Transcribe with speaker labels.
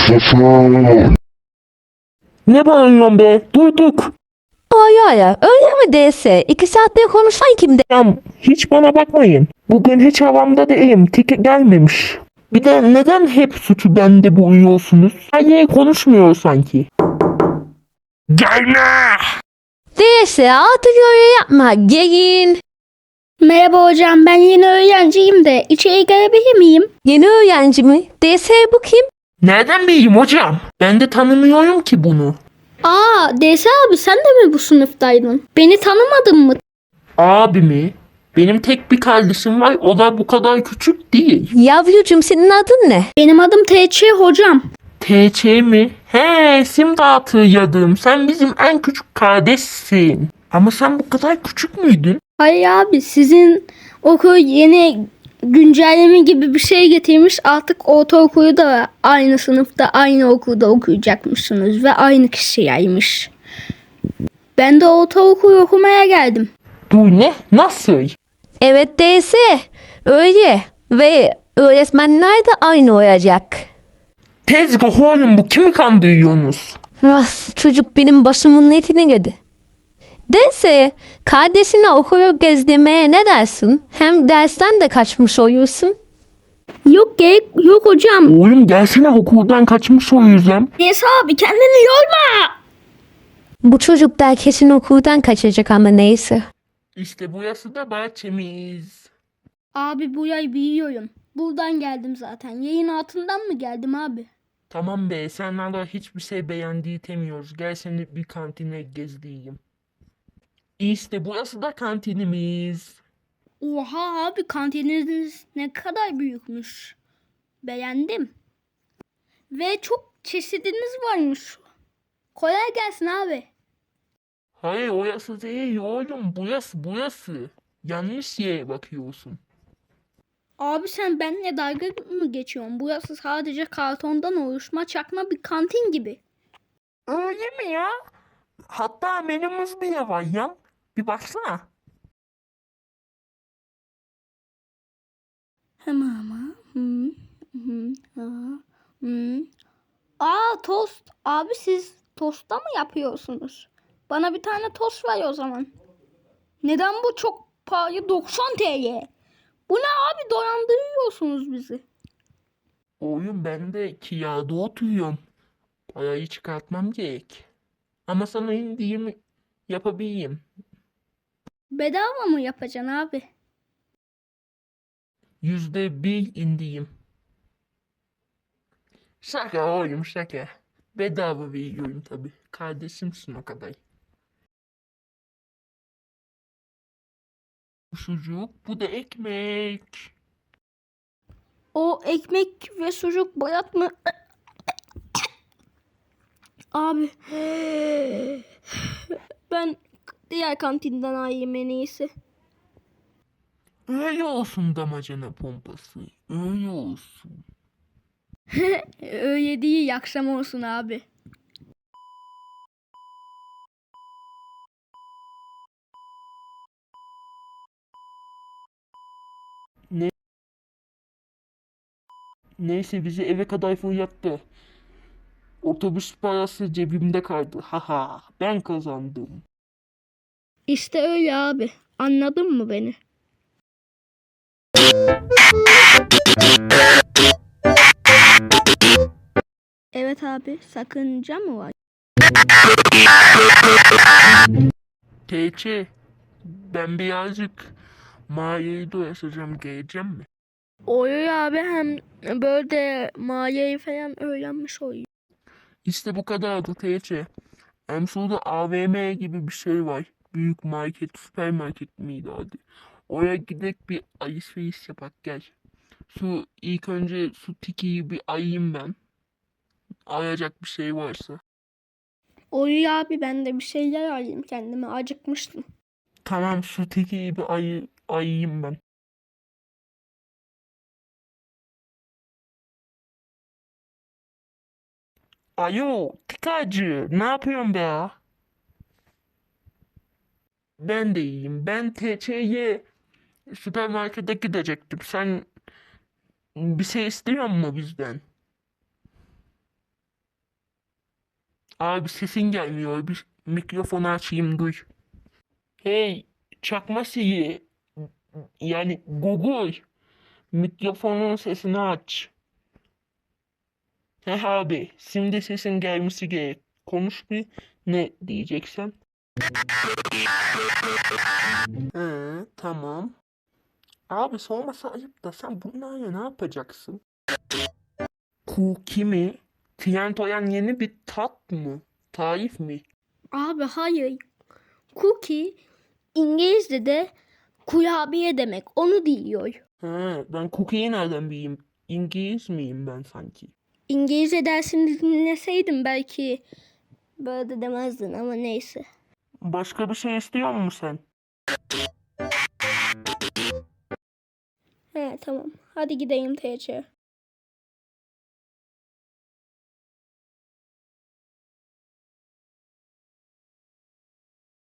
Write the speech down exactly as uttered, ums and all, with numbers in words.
Speaker 1: Sefer.
Speaker 2: Ne bağırıyorsun be? Duyduk.
Speaker 3: Ay ay ay, öyle mi değilse? İki saattir konuşan kimdi?
Speaker 2: Ya hiç bana bakmayın. Bugün hiç havamda değilim. Tiki gelmemiş. Bir de neden hep suçu bende buluyorsunuz? Her yere konuşmuyor sanki. Gelme!
Speaker 3: Değilse artık öyle yapma. Gelin.
Speaker 4: Merhaba hocam, ben yeni öğrenciyim de içeri gelebilir miyim?
Speaker 3: Yeni öğrenci mi? Değilse bu kim?
Speaker 2: Nereden bileyim hocam? Ben de tanımıyorum ki bunu.
Speaker 4: Aa, D S abi sen de mi bu sınıftaydın? Beni tanımadın mı?
Speaker 2: Abimi, benim tek bir kardeşim var. O da bu kadar küçük değil.
Speaker 3: Yavrucuğum, senin adın ne?
Speaker 4: Benim adım T Ç hocam.
Speaker 2: T Ç mi? He, şimdi hatırladım. Sen bizim en küçük kardeşsin. Ama sen bu kadar küçük müydün?
Speaker 4: Hayır abi, sizin okul yeni güncelleme gibi bir şey getirmiş. Artık ortaokulu da aynı sınıfta aynı okulda okuyacakmışsınız ve aynı kişiymiş. Ben de ortaokul okumaya geldim.
Speaker 2: Dur, ne? Nasıl?
Speaker 3: Evet, değilse öyle. Ve öğretmenler de aynı olacak.
Speaker 2: Tezgah oğlum, bu kimi kandırıyorsunuz?
Speaker 3: Ah, çocuk benim başımın etini yedi. Değilse kardeşini okulu gezdirmeye ne dersin? Hem dersten de kaçmış oluyorsun.
Speaker 4: Yok gerek yok hocam.
Speaker 2: Oğlum gelsene, okuldan kaçmış o yüzden.
Speaker 4: D S abi kendini yorma.
Speaker 3: Bu çocuk da kesin okuldan kaçacak ama neyse.
Speaker 2: İşte burası da bahçemiz.
Speaker 4: Abi bu yay biliyorum. Buradan geldim zaten. Yayın altından mı geldim abi?
Speaker 2: Tamam be, senden hiçbir şey beğendiği demiyoruz. Gel seni bir kantine gezdireyim. İşte burası da kantinimiz.
Speaker 4: Oha abi, kantininiz ne kadar büyükmüş. Beğendim. Ve çok çeşidiniz varmış. Kolay gelsin abi.
Speaker 2: Hayır, orası değil oğlum. Burası, burası. Yanlış yere bakıyorsun.
Speaker 4: Abi sen benimle dalga mı geçiyorsun? Burası sadece kartondan oluşma çakma bir kantin gibi.
Speaker 2: Öyle mi ya? Hatta menümüz bile var ya. Bir baksana.
Speaker 4: Hemen ama. Hı, hı, hı, hı. Aa, tost. Abi siz tosta mı yapıyorsunuz? Bana bir tane tost ver o zaman. Neden bu çok pahalı? doksan T L. Bu ne abi, dolandırıyorsunuz bizi.
Speaker 2: Oğlum ben de kirada oturuyorum. Parayı çıkartmam gerek. Ama sana indiğimi yapabileyim.
Speaker 4: Bedava mı yapacaksın abi?
Speaker 2: Yüzde bir indiğim. Şaka oğlum, şaka. Bedava veriyorum tabi. Kardeşimsin o kadar. Bu sucuk, bu da ekmek.
Speaker 4: O ekmek ve sucuk bayat mı? Abi. Ben diğer kantinden alayım en iyisi.
Speaker 2: Öyle olsun damacana pompası. Öyle olsun.
Speaker 4: Öyle değil, akşam olsun abi.
Speaker 2: Neyse, bizi eve kadar fırlattı. Otobüs parası cebimde kaldı. Haha, ben kazandım.
Speaker 4: İşte öyle abi. Anladın mı beni? Evet abi, sakınca mı var?
Speaker 2: T Ç, ben birazcık mağarayı dolaşacağım, geleceğim mi?
Speaker 4: Oluyor abi, hem böyle maliyeyi falan öğrenmiş oluyor.
Speaker 2: İşte bu kadardı T Ç. Emsul'da A V M gibi bir şey var. Büyük market, süpermarket miydi adı? Oraya gidip bir alışveriş yapak gel. Su ilk önce su tikiyi bir ayayım ben. Ayacak bir şey varsa.
Speaker 4: Oluyor abi, ben de bir şeyler alayım kendime, acıkmıştım.
Speaker 2: Tamam, su tikiyi bir ayı, ayayım ben. Alo, tikacı, ne yapıyorsun be ya? Ben de iyiyim. Ben T Ç'ye süpermarkete gidecektim. Sen bir şey istiyor musun bizden? Abi sesin gelmiyor. Bir mikrofonu açayım duy. Hey çakma Siri. Yani Google. Mikrofonun sesini aç. He abi şimdi sesin gelmesi gerek. Konuş bir ne diyeceksen. He tamam. Abi sorması ayıp da sen bunlarla ne yapacaksın? Cookie mi? Trendoyan yeni bir tat mı? Tarif mi?
Speaker 4: Abi hayır. Cookie İngilizce'de kurabiye demek. Onu diyor.
Speaker 2: He, ben cookie'yi nereden bileyim? İngiliz miyim ben sanki?
Speaker 4: İngilizce dersini dinleseydim belki böyle de demezdin ama neyse.
Speaker 2: Başka bir şey istiyor musun sen?
Speaker 4: He tamam. Hadi gideyim T C.